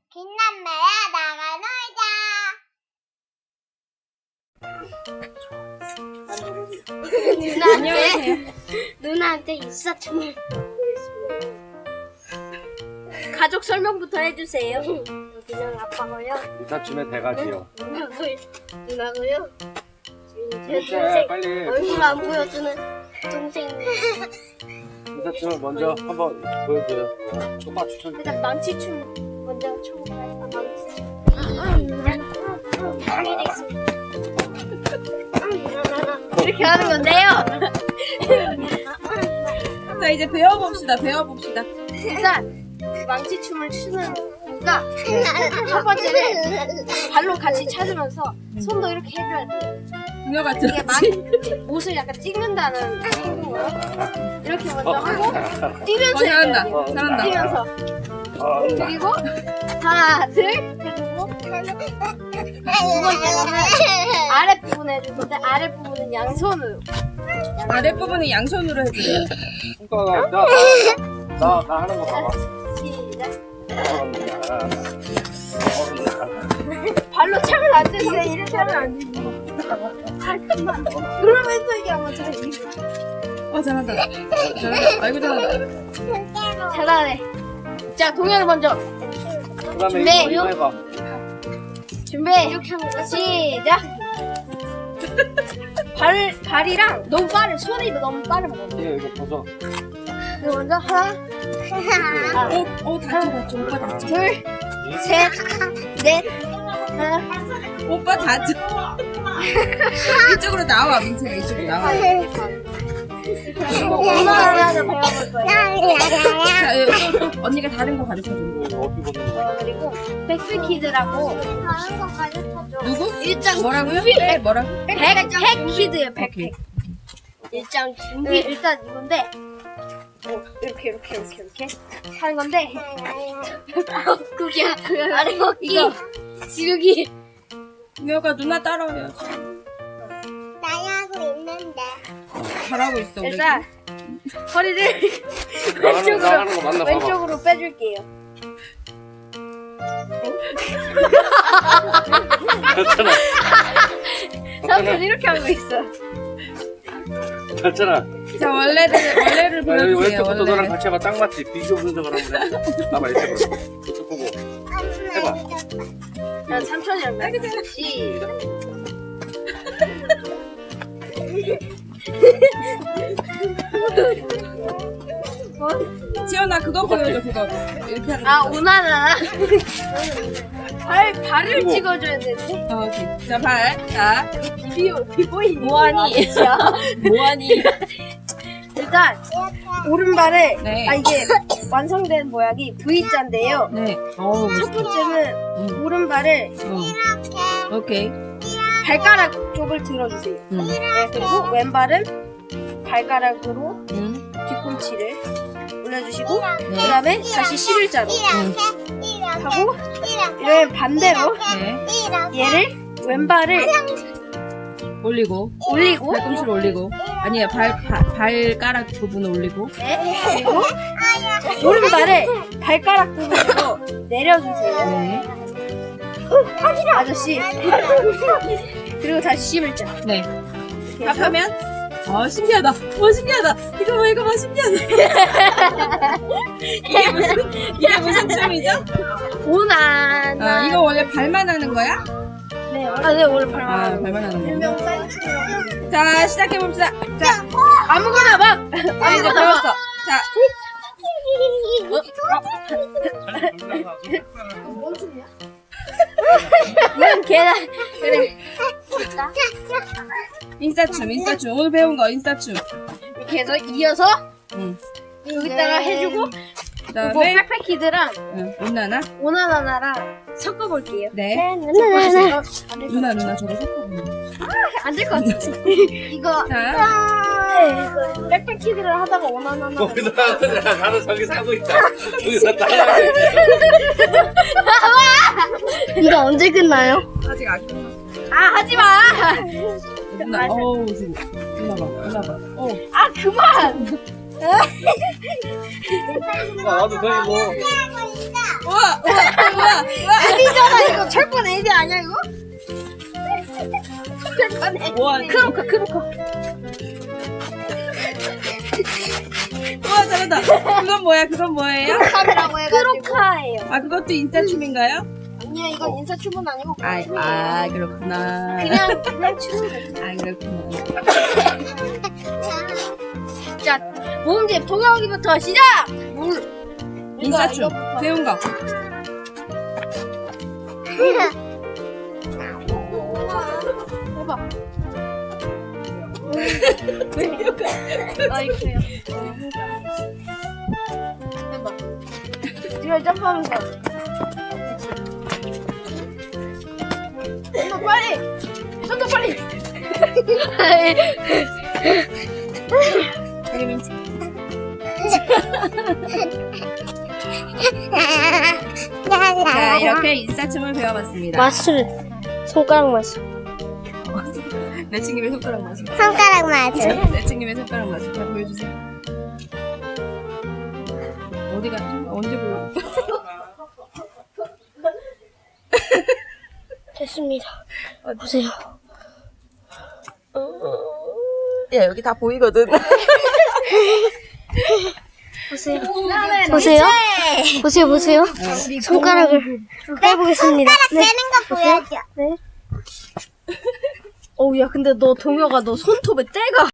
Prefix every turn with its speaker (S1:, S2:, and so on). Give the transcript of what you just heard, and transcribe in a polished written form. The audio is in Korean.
S1: 빛난매야 나가 놀자. 누나한테 인사춤을 가족 설명부터 해주세요. 그냥 아빠고요.
S2: 인사춤의 대가지요.
S1: 누나고요. 제
S2: 자,
S1: 동생
S2: 빨리
S1: 얼굴 안 보여주는 동생.
S2: 인사춤을 먼저 한번 보여줘요. 초밥 추천.
S1: 일단 망치춤 먼저 춰볼까요? 망치춤. 이렇게 하는 건데요.
S3: 자, 이제 배워봅시다.
S1: 일단 망치춤을 추는 이유가 첫 번째는 발로 같이 찾으면서 손도 이렇게 해줘야 돼요.
S3: 그녀 같은.
S1: 이게 옷을 약간 찍는다는 행동으로 이렇게 먼저 하고 뛰면서
S3: 잘한다.
S1: 해줘야 돼요.
S3: 잘한다.
S1: 뛰면서 그리고 하나 둘 해주고 두 번째로는 아랫부분 해줄 건데 아랫부분은 양손으로
S3: 아랫부분은 양손으로 해주세요.
S2: 손가락 나 하는 거 봐봐.
S1: 시작. 발로 차면 안 되는데 이렇게 하면 안 되지. 그러면서 이게 아마 잘
S3: 잘한다. 아이고, 잘한다.
S1: 잘하네. 자, 동현이 먼저
S2: 그다음에
S1: 준비.
S2: 이거 해봐.
S1: 준비. 시작. 발이랑 너무 빠른 손이 너무 빠르면 안 돼.
S2: 이거 벗어.
S1: 이거 먼저 하나,
S3: 다쳐. 오빠 다쳐.
S1: 둘, 셋, 넷, 하나.
S3: 오빠 다쳐. 이쪽으로 나와, 민채가 이쪽으로 나와.
S1: 하나 더 배워볼 거예요.
S3: 자, 또 언니가 다른 거 가르쳐줘.
S2: 이거 어떻게 벗는 거야?
S1: 그리고 백스키드라고 다른 거 가르쳐줘.
S3: 누구?
S1: 일장
S3: 뭐라고요? 뭐라고?
S1: 백키드예요.
S3: 오케이.
S1: 일장 준비. 일단 이건데 이렇게 하는 건데 그게 아래 먹기 지르기.
S3: 그녀가 누나 따라와요.
S1: 나야고 있는데
S3: 잘하고 있어, 우리.
S1: 일단 허리를
S2: 나가는 거 맞나 봐봐.
S1: 왼쪽으로 빼줄게요.
S2: 괜찮아.
S1: 삼촌 이렇게 하고 있어.
S2: 괜찮아.
S3: 자, 원래를 보여주세요.
S2: 왼쪽부터 너랑
S3: 원래를.
S2: 같이 해봐. 딱 맞지? 비교 분석을 한번 해. 나봐 이쪽으로. 이쪽 보고. 해봐.
S1: 난 삼촌이랑 해. 시작.
S3: 지연아, 그거 보여줘, 그거. 이렇게 하는 거.
S1: 아 오나나. 발을 찍어줘야 되는데.
S3: 오케이. 자, 발. 자,
S1: 비보이.
S3: 뭐하니? 뭐하니?
S1: 일단 오른발을
S3: 네.
S1: 이게 완성된 모양이 V자인데요.
S3: 네.
S1: 첫 번째는 오른발을
S3: 오케이.
S1: 발가락 쪽을 들어주세요. 네, 그리고 왼발은 발가락으로 뒤꿈치를 올려주시고 그다음에 다시 11자로 하고 이러면 반대로
S3: 네.
S1: 얘를 왼발을
S3: 올리고.
S1: 올리고
S3: 발꿈치를 올리고. 아니에요. 발가락 부분을 올리고.
S1: 네, 그리고 오른발을 발가락 부분으로 내려주세요.
S3: 네.
S1: 아저씨 그리고 다시 11자.
S3: 네. 합하면? 신기하다. 신기하다. 이거 봐, 신기하다. 이게 무슨 춤이죠?
S1: 오나나.
S3: 이거 원래 발만 하는 거야?
S1: 네, 네 원래 발만.
S3: 발만 하는 거. 자, 시작해봅시다. 자,
S1: 아무거나 막.
S3: 이제 배웠어. 자,
S1: 이건 계단. 그래.
S3: 인싸춤. 오늘 배운 거, 인싸춤.
S1: 이렇게 해서 이어서
S3: 응.
S1: 여기다가 해주고
S3: 그
S1: 이거
S3: 다음에,
S1: 백패키드랑
S3: 누나나?
S1: 오나나나랑 섞어볼게요.
S3: 네.
S1: 누나
S3: 누나, 저거 섞어보는 거.
S1: 안될 것 같아. 이거
S3: 자,
S1: 백패키드를 하다가 오나나나.
S2: 거기다 나는 저기 사고 있다. 거기서 따라해.
S1: 이거 언제 끝나요?
S3: 아직 안 끝났어.
S1: 하지마.
S3: 누나, 누나 봐.
S1: 그만.
S2: 나도 저기 뭐
S3: 우와.
S1: 아니잖아 이거 철판 애기 아니야 이거? 철판 애기.
S3: 우와.
S1: 크로커.
S3: 우와, 잘한다. 그건 뭐예요?
S1: 크로카라고 해가지고. 크로카예요.
S3: 아, 그것도 인싸춤인가요?
S1: 아니야 이건 인사춤은 아니고
S3: 아, 그렇구나.
S1: 그냥 춤.
S3: 아, 그렇구나.
S1: 자 모음집 동영이부터 시작. 물.
S3: 인싸춤.
S1: 이거부터.
S3: 배운 거.
S1: 해봐. 아 이거요. 해봐. 이거 점프하면서. 손도 빨리.
S3: 그림인지. 자, 이렇게 인싸춤을 배워봤습니다.
S1: 마술. 손가락 마술.
S3: 내친김에 손가락 마술.
S4: 손가락 맞아.
S3: 내친김에 손가락 마술. 자, 보여주세요. 어디 갔지? 언제 보여줄까?
S1: 됐습니다. 보세요.
S3: 야, 여기 다 보이거든.
S1: 보세요. 보세요. 손가락을 빼보겠습니다.
S4: 되는 거 보여줘.
S1: 어우 야 근데 너 동혁아 너 손톱에 때가